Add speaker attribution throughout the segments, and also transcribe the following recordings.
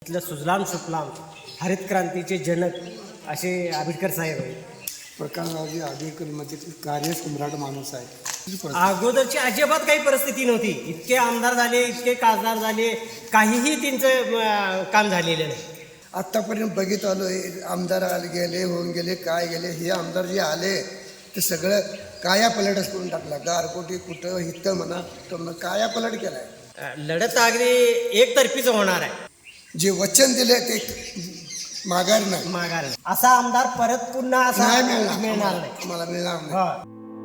Speaker 1: इथलं सुजलाम सुफलाम हरित क्रांतीचे जनक असे आंबेडकर साहेब आहेत.
Speaker 2: प्रकाशरावजी आंबेडकर म्हणजे कार्यसम्राट माणूस आहे.
Speaker 1: अगोदरची अजिबात काही परिस्थिती नव्हती. इतके आमदार झाले, इतके खासदार झाले, काहीही त्यांचं काम झालेलं नाही.
Speaker 2: आत्तापर्यंत बघित आलो आमदार आले गेले होऊन गेले काय गेले, हे आमदार जे आले ते सगळं काया पलटच करून टाकला. गारकोटी कुठं हिथं म्हणा तर काया पलट केलाय.
Speaker 1: लढत अगदी एकतर्फीच होणार आहे.
Speaker 2: जे वचन दिले ते माघार नाही,
Speaker 1: माघार नाही. असा आमदार परत पुन्हा असा
Speaker 2: नाही
Speaker 1: मिळणार नाही.
Speaker 2: आम्हाला मिळणार नाही.
Speaker 1: हा.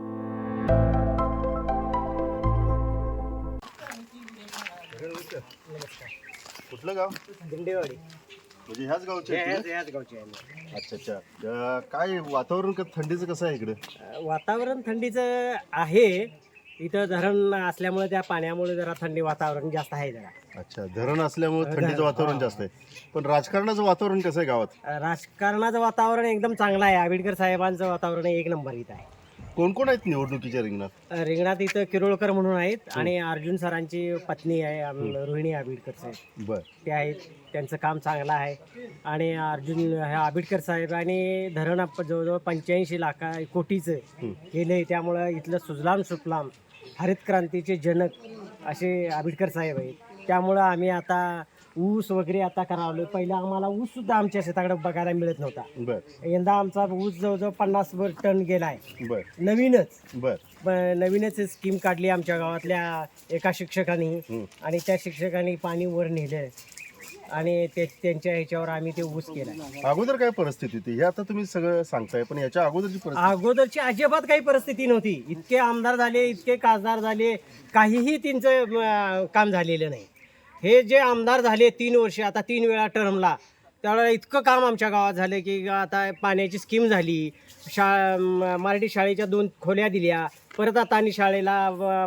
Speaker 3: कुठलं गाव?
Speaker 1: दिंडेवाडी
Speaker 3: म्हणजे ह्याच गावचे आहेत तुम्ही?
Speaker 1: याच गावची आहे.
Speaker 3: अच्छा अच्छा. काय वातावरण थंडीचं कसं आहे इकडे?
Speaker 1: वातावरण थंडीचं आहे. इथं धरण असल्यामुळे त्या पाण्यामुळे जरा थंडी वातावरण जास्त आहे जरा.
Speaker 3: अच्छा, धरण असल्यामुळे थंडीचं वातावरण जास्त आहे. पण राजकारणाचं वातावरण कसं आहे गावात?
Speaker 1: राजकारणाचं वातावरण एकदम चांगलं आहे. आंबेडकर साहेबांचं वातावरण एक नंबर इथं आहे.
Speaker 3: कोण कोण आहेत निवडणुकीच्या रिंगणात?
Speaker 1: रिंगणात इथं किरोळकर म्हणून आहेत आणि अर्जुन सरांची पत्नी आहे रोहिणी आंबेडकर साहेब,
Speaker 3: बर.
Speaker 1: ते आहेत. त्यांचं काम चांगलं आहे. आणि अर्जुन ह्या आंबेडकर साहेब आणि धरण जवळजवळ 85 कोटीचं केलं आहे. त्यामुळं इथलं सुजलाम सुफलाम हरित क्रांतीचे जनक असे आंबेडकर साहेब आहेत. त्यामुळं आम्ही आता ऊस वगैरे आता करावलं. पहिलं आम्हाला ऊस सुद्धा आमच्या शेताकडे बघायला मिळत नव्हता.
Speaker 3: बर
Speaker 1: यंदा आमचा ऊस जवळजवळ 50 टन गेला आहे.
Speaker 3: बर
Speaker 1: नवीनच
Speaker 3: बर
Speaker 1: नवीनच स्कीम काढली आमच्या गावातल्या एका शिक्षकांनी. आणि त्या शिक्षकांनी पाणी वर नेलं आणि त्यांच्या ह्याच्यावर आम्ही ते ऊस केला.
Speaker 3: अगोदर काय परिस्थिती होती हे आता तुम्ही सगळं सांगताय, पण याच्या अगोदरची परिस्थिती?
Speaker 1: अगोदरची अजिबात काही परिस्थिती नव्हती. इतके आमदार झाले, इतके खासदार झाले, काहीही त्यांचं काम झालेलं नाही. हे जे आमदार झाले 3 वर्ष, आता 3 वेळा टर्मला, त्यावेळेला इतकं काम आमच्या गावात झालं की आता पाण्याची स्कीम झाली. मराठी शाळेच्या 2 खोल्या दिल्या. परत आता आणि शाळेला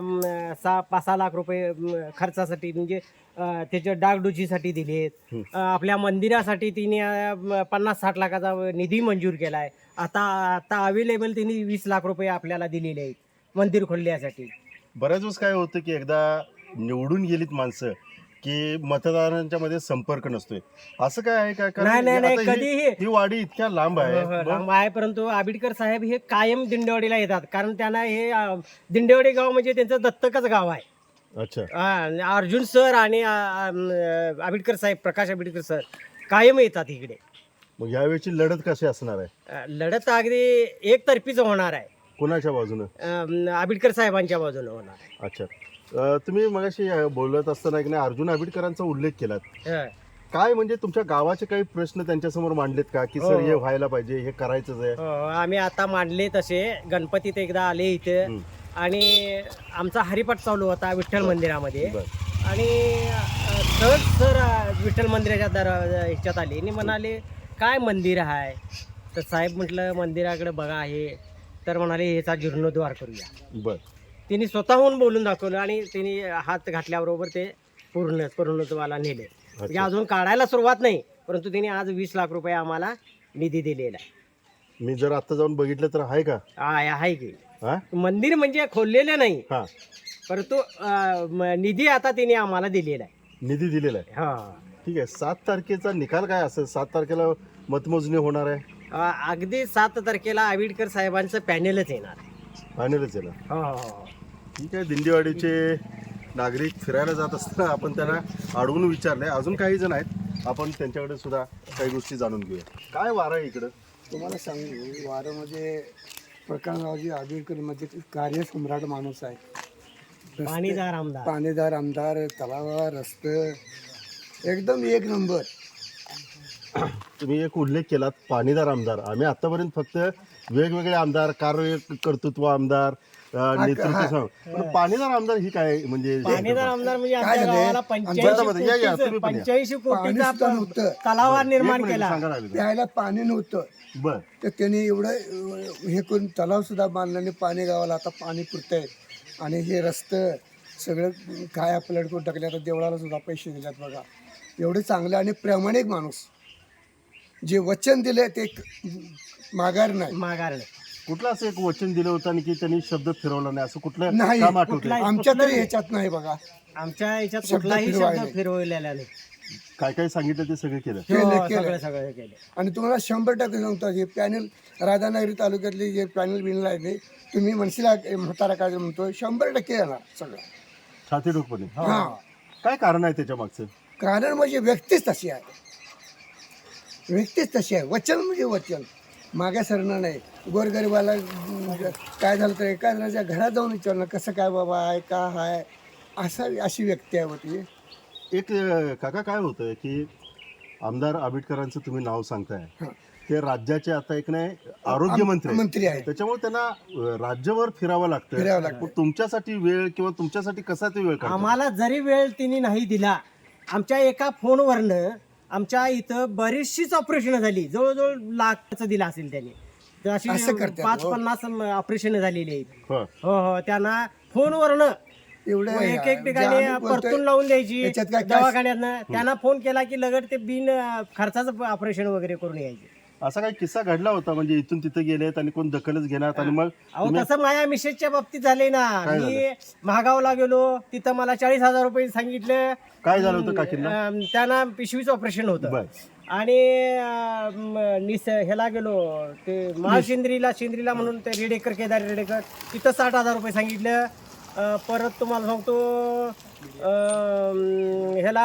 Speaker 1: 5-6 लाख रुपये खर्चासाठी म्हणजे त्याच्या डागडुजीसाठी दिलेत. आपल्या मंदिरासाठी तिने 50-60 लाखाचा निधी मंजूर केला आहे. आता अवेलेबल तिने 20 लाख रुपये आपल्याला दिलेले आहेत मंदिर खोलण्यासाठी.
Speaker 3: बऱ्याच वेळेस काय होतं की एकदा निवडून गेलीत माणसं की मतदारांच्या मध्ये संपर्क नसतोय, असं काय आहे काय?
Speaker 1: नाही, कधीही.
Speaker 3: ही वाडी इतक्या लांब आहे.
Speaker 1: लांब आहे, परंतु आंबेडकर साहेब हे कायम दिंडेवाडीला येतात. कारण त्यांना हे दिंडेवाडी गाव म्हणजे त्यांचं दत्तकच गाव आहे.
Speaker 3: अच्छा.
Speaker 1: अर्जुन सर आणि आंबेडकर साहेब, प्रकाश आंबेडकर सर कायम येतात इकडे.
Speaker 3: मग यावेळीची लढत कशी असणार आहे?
Speaker 1: लढत अगदी एकतर्फीच होणार आहे.
Speaker 3: कोणाच्या बाजूनं?
Speaker 1: आंबेडकर साहेबांच्या बाजूने होणार आहे.
Speaker 3: अच्छा. तुम्ही मगाशी बोलत असताना की नाही अर्जुन आंबेडकरांचा उल्लेख केलात. काय म्हणजे तुमच्या गावाचे काही प्रश्न त्यांच्यासमोर मांडलेत का की सर हे व्हायला पाहिजे, हे करायचंच आहे?
Speaker 1: आम्ही आता मांडले तसे. गणपतीत एकदा आले इथे आणि आमचा हरिपाठ चालू होता विठ्ठल मंदिरामध्ये. आणि सहज सर विठ्ठल मंदिराच्या ह्याच्यात आले आणि म्हणाले काय मंदिर आहे? तर साहेब म्हटलं मंदिराकडे बघा हे. तर म्हणाले ह्याचा जीर्णोद्धार करूया.
Speaker 3: बर.
Speaker 1: तिने स्वतःहून बोलून दाखवलं आणि तिने हात घातल्याबरोबर ते पूर्णत्वाला नेले. म्हणजे अजून काढायला सुरुवात नाही, परंतु तिने आज 20 लाख रुपये आम्हाला निधी दिलेला आहे.
Speaker 3: मी जर आता जाऊन बघितलं तर आहे का?
Speaker 1: आहे की.
Speaker 3: हा?
Speaker 1: मंदिर म्हणजे खोललेलं नाही,
Speaker 3: हा.
Speaker 1: परंतु निधी आता तिने आम्हाला दिलेला आहे.
Speaker 3: निधी दिलेला आहे.
Speaker 1: हा,
Speaker 3: ठीक आहे. 7 तारखेचा निकाल काय असेल? 7 तारखेला मतमोजणी होणार आहे.
Speaker 1: अगदी 7 तारखेला आंबेडकर साहेबांचं पॅनेलच येणार आहे.
Speaker 3: फायनलच आहे ना?
Speaker 1: हो.
Speaker 3: ठीक आहे. दिंडेवाडीचे नागरिक फिरायला जात असताना आपण त्यांना अडवून विचारले. अजून काही जण आहेत, आपण त्यांच्याकडे सुद्धा काही गोष्टी जाणून घेऊया. काय वारं आहे इकडं?
Speaker 2: तुम्हाला सांगू वारं म्हणजे प्रकाशरावजी आंबेडकर म्हणजे कार्यसम्राट माणूस आहे. पाणीदार आमदार, तलाव, रस्ते एकदम एक नंबर.
Speaker 3: तुम्ही एक उल्लेख केलात पाणीदार आमदार. आम्ही आतापर्यंत फक्त वेगवेगळे आमदार, कार्यकर्तृत्व आमदार, नेतृत्व, पण पाणीदार आमदार ही काय म्हणजे?
Speaker 1: पाणीदार आमदार म्हणजे
Speaker 2: काय
Speaker 1: आमच्या
Speaker 2: झालंय?
Speaker 1: गावाला 85 कोटीचा तलाव निर्माण केला.
Speaker 2: प्यायला पाणी नव्हतं.
Speaker 3: बर.
Speaker 2: तर त्यांनी एवढं हे करून तलाव सुद्धा बांधल्याने पाणी गावाला आता पाणी पुरतंय. आणि हे रस्ते सगळं काय पलट करून टाकले. आता देवळाला सुद्धा पैसे दिलेत बघा. एवढे चांगले आणि प्रामाणिक माणूस. जे वचन दिले ते माघार नाही.
Speaker 3: कुठलं असं एक वचन दिलं होतं आणि की त्यांनी शब्द फिरवला नाही असं कुठलं
Speaker 2: नाही.
Speaker 3: काम आठवतंय?
Speaker 2: आमच्या तरी ह्याच्यात नाही बघा.
Speaker 1: आमच्या याच्यात कुठलाही शब्द फिरवलेला नाही.
Speaker 3: काय काय सांगितलं ते सगळं केलं.
Speaker 1: हो, सगळं केलं.
Speaker 2: आणि तुम्हाला 100% सांगतो हे पॅनल राधानगरी तालुक्यातले जे पॅनल बिनल आहे ते तुम्ही मनसेला म्हातारा काय म्हणतो 100% येणार सगळं.
Speaker 3: छाती ठोकपणे.
Speaker 2: हा,
Speaker 3: काय कारण आहे त्याच्या मागचं?
Speaker 2: कारण म्हणजे व्यक्तीच तशी आहे, व्यक्तीच तशी आहे. वचन म्हणजे वचन, मागे सरणार नाही. गोरगरिबाला काय झालं तर एका जणाच्या घरात जाऊन विचारणं कसं काय बाबा आहे का आहे, अशी व्यक्ती आहे होती.
Speaker 3: एक काका काय होतं की आमदार आबिटकरांचं तुम्ही नाव सांगताय,
Speaker 2: हां.
Speaker 3: ते राज्याचे आता एक नाही आरोग्यमंत्री आहेत.
Speaker 2: मंत्री आहे,
Speaker 3: त्याच्यामुळे त्यांना राज्यभर फिरावं
Speaker 2: फिरावं
Speaker 3: लागतं.
Speaker 2: लागतं.
Speaker 3: मग तुमच्यासाठी वेळ किंवा तुमच्यासाठी कसा ते वेळ काढतात?
Speaker 1: आम्हाला जरी वेळ तिने नाही दिला, आमच्या एका फोनवरनं आमच्या इथं बरीचशीच ऑपरेशन झाली, जवळजवळ लाखचं दिलं असेल त्यांनी. तर अशी
Speaker 2: असं करतात,
Speaker 1: 5-50 ऑपरेशन झालेली आहेत.
Speaker 3: हो.
Speaker 1: हो, त्यांना फोनवरनं
Speaker 2: एवढं
Speaker 1: एक
Speaker 2: जे
Speaker 1: ठिकाणी
Speaker 2: आम्ही बोलतोय,
Speaker 1: परतून लावून द्यायची
Speaker 2: याच्यात काय
Speaker 1: दवाखान्यातनं. त्यांना फोन केला की लगट ते बिन खर्चाचं ऑपरेशन वगैरे करून यायचे.
Speaker 3: असा काही किस्सा घडला होता म्हणजे इथून तिथे गेलेत आणि कोण दखलच घेणार आणि मग
Speaker 1: अहो तसं माझ्या मिसेसच्या बाबतीत झाले ना. मी महागावला गेलो, तिथं मला 40,000 रुपये सांगितलं.
Speaker 3: काय झालं होतं काकींना?
Speaker 1: त्यांना पिशवीचं ऑपरेशन होतं.
Speaker 3: बर.
Speaker 1: आणि ह्याला गेलो ते शिंद्रीला म्हणून ते रेडेकर, केदार रेडेकर, तिथं 60,000 रुपये सांगितलं. परत तुम्हाला सांगतो ह्याला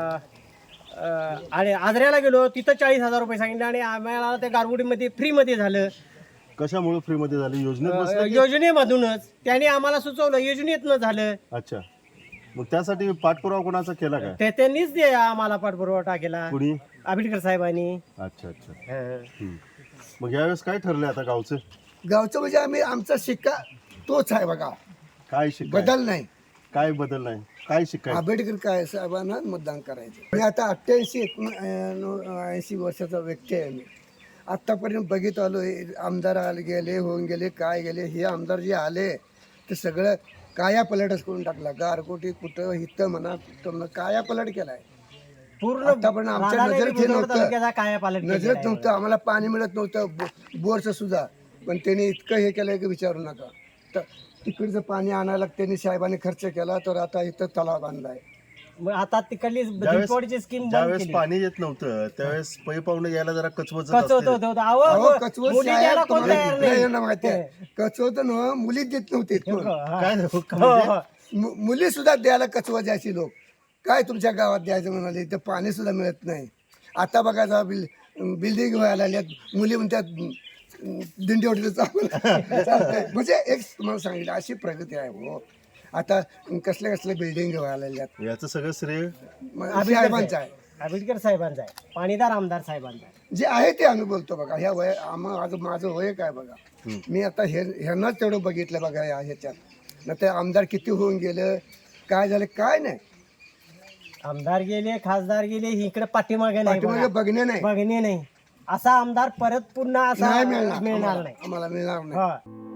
Speaker 1: आणि आजऱ्याला गेलो, तिथं 40,000 रुपये सांगितले. आणि आम्हाला त्या गारगुडीमध्ये फ्रीमध्ये झालं.
Speaker 3: कशामुळे फ्रीमध्ये झालं? योजनेत बसलं की?
Speaker 1: योजनेमधूनच त्यांनी आम्हाला सुचवलं, योजनेतनं झालं.
Speaker 3: अच्छा, मग त्यासाठी पाठपुरावा कोणाचा केला काय?
Speaker 1: त्यांनीच आम्हाला पाठपुरवठा केला,
Speaker 3: कुणी?
Speaker 1: आंबेडकर साहेबांनी.
Speaker 3: अच्छा अच्छा. मग यावेळेस काय ठरलंय आता गावचं?
Speaker 2: गावचं म्हणजे आम्ही आमचा शिक्का तोच आहे बघा,
Speaker 3: काय शिकाय?
Speaker 2: बदल नाही.
Speaker 3: काय बदल नाही? काय शिकाय?
Speaker 2: आंबेडकर काय साहेबांना मतदान करायचं. मी आता 88-80 वर्षाचा व्यक्ती आहे. मी आत्तापर्यंत बघित आलो, हे आमदार आले गेले, होऊन गेले, काय गेले. हे आमदार जे आले ते सगळं काया पलटच करून टाकला. गारकोटी कुठं हिथं म्हणा कुठं म्हणा काया पलट केलाय.
Speaker 1: पूर्ण
Speaker 2: आतापर्यंत आमच्या नजरेत हे नव्हतं,
Speaker 1: काय पालट
Speaker 2: नजरेत नव्हतं. आम्हाला पाणी मिळत नव्हतं बोरचं सुद्धा, पण त्यांनी इतकं हे केलंय की विचारू नका. तर तिकडचं पाणी आणायला त्यांनी साहेबांनी खर्च केला, तर आता इथं तलाव बांधलाय.
Speaker 1: आता तिकडली भिंतवडची स्कीम
Speaker 3: ज्यावेळेस पाणी येत नव्हतं त्यावेळेस पै पाहुणे यायला जरा कचवच
Speaker 2: अहो, कचवत
Speaker 1: मुली
Speaker 2: साहेब
Speaker 1: द्यायला कोण
Speaker 2: तुम्हाला
Speaker 1: तयार
Speaker 2: इकडे
Speaker 1: नाही.
Speaker 2: येणं माहिती आहे. कचवत न मुली देत नव्हते कोण.
Speaker 3: काय
Speaker 2: मुली सुद्धा द्यायला कचवत द्यायची लोक. काय तुमच्या गावात द्यायचं म्हणाले, तर पाणी सुद्धा मिळत नाही. आता बघा जा बिल्डिंग व्हायला लागल्यात, मुली म्हणतात दिंडी ओढीचं चालतंय. म्हणजे एक तुम्हाला सांगितलं अशी प्रगती आहे हो. आता कसल्या कसल्या बिल्डिंग व्हायला लागल्यात.
Speaker 3: याचं सगळं श्रेय
Speaker 2: साहेबांचं आहे,
Speaker 1: आंबेडकर साहेबांचा आहे, पाणीदार आमदार साहेबांचा आहे.
Speaker 2: जे आहे ते आम्ही बोलतो बघा. ह्या वय माझं वय काय बघा. मी आता ह्यांनाच तेवढं बघितलं बघा ह्याच्यात. न ते आमदार किती होऊन गेलं, काय झालं काय नाही.
Speaker 1: आमदार गेले, खासदार गेले, इकडे पाठीमागे नाही
Speaker 2: पाठीमागे बघणे नाही,
Speaker 1: बघणे नाही. असा आमदार परत पुन्हा असा
Speaker 2: नाही
Speaker 1: मिळणार
Speaker 2: मिळणार
Speaker 1: नाही.
Speaker 2: आम्हाला मिळणार नाही.
Speaker 1: हा.